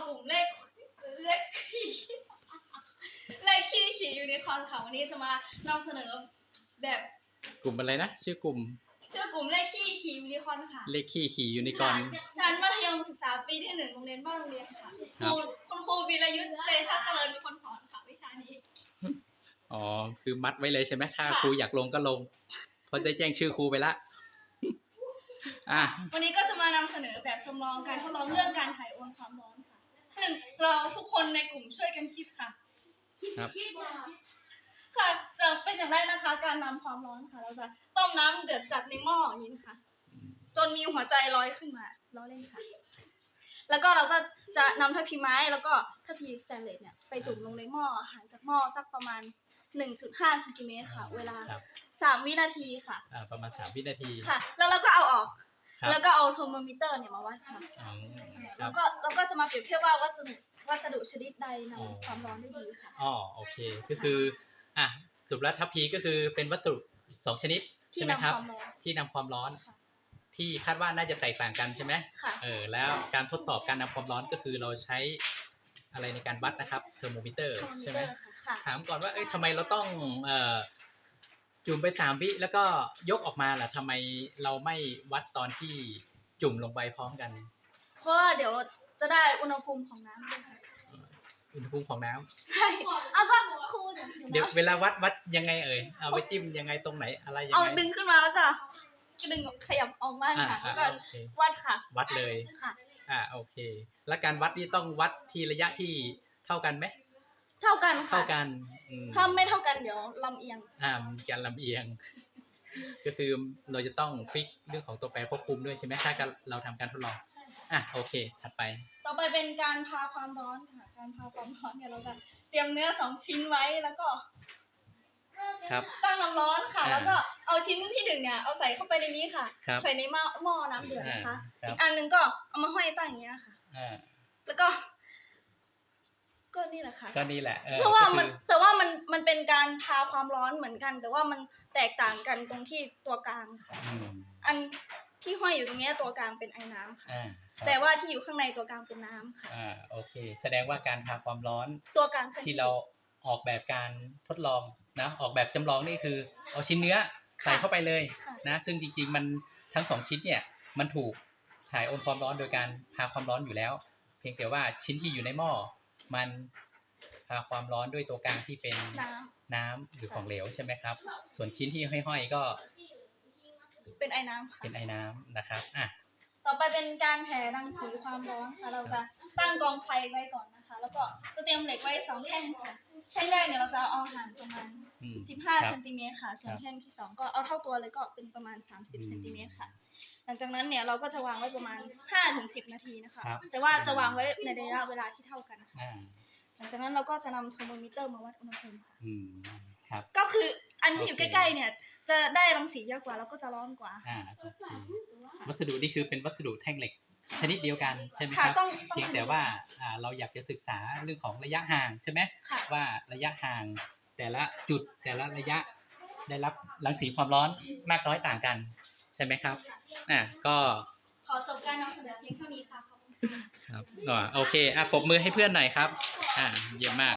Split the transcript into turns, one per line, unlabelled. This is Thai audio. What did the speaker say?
กลุ่มเลขขี้ขี่ยูนิคอร์นค่ะวันนี้จะมานำเสนอแบบ
กลุ่มอะไรนะชื่อกลุ่ม
เลขขี้ขี่ยูนิคอร์นค่ะ
เลขขี้ขี่ยูนิคอร์น
ชั้นมัธยมศึกษาปีที่1โรงเรียนบ้านโรงเรียนค่ะคุณครูวีรยุทธ์เตชะเจริญเป็นคนสอนค่ะวิชานี้
อ๋อคือมัดไว้เลยใช่ไหมถ้าครูอยากลงก็ลงเพราะได้แจ้งชื่อครูไปละ
วันนี้ก็จะมานำเสนอแบบจำลองการทดลองเรื่องการถ่ายโอนความร้อนค่ะซึ่งเราทุกคนในกลุ่มช่วยกันคิดค่ะค่ะจะเป็นอย่างแรกนะคะการนำความร้อนค่ะเราจะต้มน้ำเดือดจัดในหม้ออย่างนี้ค่ะจนมีหัวใจลอยขึ้นมาล้อเล่นค่ะแล้วก็เราก็จะนำทัพพีไม้แล้วก็ทัพพีสแตนเลสเนี่ยไปจุ่มลงในหม้อห่างจากหม้อสักประมาณ 1.5 เซนติเมตรค่ะเวลา3 วินาทีค่ะ
ประมาณ3 วินาที
ค่ะแล้วเราก็เอาออกแล้วก็เอาโทรโมมิเตอร์เนี่ยมาวัดค่ะแล้วก็จะมาเปรียบเทียบว่าวัสดุชนิดใดนำความร้อนได้ดีค่ะ
โอเคก็คือสรุปแล้วทัพพีก็คือเป็นวัสดุ2 ชนิดใช่ไหมครับที่นำความร้อนที่คาดว่าน่าจะแตกต่างกันใช่ไหม
ค่ะ
แล้วการทดสอบการนำความร้อนก็คือเราใช้อะไรในการวัดนะครับเทอร์โมมิเตอร์ใช่ไหมถามก่อนว่าทำไมเราต้องจุ่มไป3 วิแล้วก็ยกออกมาล่ะทำไมเราไม่วัดตอนที่จุ่มลงไปพร้อมกัน
เพราะเดี๋ยวจะได้อุณหภูมิของน้ำด้วยค่ะ
อุณหภูมิของน้ำ
ใช่เอาก็คูณ
เดี๋ยวเวลาวัดยังไงเอาไปจิ้มยังไงตรงไหนอะไรยังไง
เอาดึงขึ้นมาแล้วก็ดึงขยับออกมาค่ะแล้วก็วัดค่ะ
วัดเลย
ค่ะ
โอเคแล้วการวัดนี่ต้องวัดที่ระยะที่เท่ากันไหม
เท่ากันค่ะ
เท่ากัน
ถ้าไม่เท่ากันเดี๋ยวลำเอียง
มีการลำเอียงก็คือเราจะต้องฟิกเรื่องของตัวแปรควบคุมด้วยใช่ไหมถ้าเราทำการทดลองโอเคถัดไป
ต่อไปเป็นการพาความร้อนค่ะการพาความร้อนเนี่ยเราจะเตรียมเนื้อ2 ชิ้นไว้แล้วก็ตั้งน้ำร้อนค่ะแล้วก็เอาชิ้นที่1เนี่ยเอาใส่เข้าไปในนี้ค่ะใส่ในหม้อน้ำเดือดนะคะอีกอันนึงก็เอามาห้อยตั้งอย่างเงี้ยค่ะแล้วก็นี่แหละค่ะ
ก็นี่แหละ
เพราะว่าแต่ว่ามันเป็นการพาความร้อนเหมือนกันแต่ว่ามันแตกต่างกันตรงที่ตัวกลางค่ะอันที่ห้อยอยู่ตรงนี้ตัวกลางเป็นไอ้น้ำค่ะแต่ว่าที่อยู่ข้างในตัวกลางเป็นน้ำค่ะ
โอเคแสดงว่าการพาความร้อน
ตัวกลาง
ที่เราออกแบบการทดลองนะออกแบบจำลองนี่คือเอาชิ้นเนื้อใส่เข้าไปเลยนะซึ่งจริงๆมันทั้ง2 ชิ้นเนี่ยมันถูกถ่ายโอนความร้อนโดยการพาความร้อนอยู่แล้วเพียงแต่ว่าชิ้นที่อยู่ในหม้อมันพาความร้อนด้วยตัวกลางที่เป็นน้ำหรือของเหลวใช่ไหมครับส่วนชิ้นที่ห้อยๆก็
เป็นไอ้น้ำค่ะ
เป็นไอ้น้ำนะครับ
ต่อไปเป็นการแผ่รังสีความร้อนค่ะเราจะตั้งกองไฟไว้ก่อนนะคะแล้วก็จะเตรียมเหล็กไว้2 แท่งค่ะแท่งแรกเนี่ยเราจะเอาห่างประมาณ15 เซนติเมตรค่ะส่วนแท่งที่2ก็เอาเท่าตัวเลยก็เป็นประมาณ30 เซนติเมตรค่ะหลังจากนั้นเนี่ยเราก็จะวางไว้ประมาณ 5-10 นาทีนะคะแต่ว่าจะวางไว้ในระยะเวลาที่เท่ากันค่ะหลังจากนั้นเราก็จะนำโทรโมมิเตอร์มาวัดอุณหภูมิค่ะก็คืออันที่อยู่ใกล้ๆเนี่ยจะได้รังสีเยอะกว่าแล้วก็จะร้อนกว่า
วัสดุนี่คือเป็นวัสดุแท่งเหล็กชนิดเดียวกันใช่ไหมครับเพียงแต่ว่าเราอยากจะศึกษาเรื่องของระยะห่างใช่ไหมว่าระยะห่างแต่ละจุดแต่ละระยะได้รับรังสีความร้อนมากน้อยต่างกันใช่ไหมครับก็
ขอจบการนำเสนอเพียงเท่านี้ค่ะขอบคุณ
ครับโอเคปรบมือให้เพื่อนหน่อยครับเยี่ยมมาก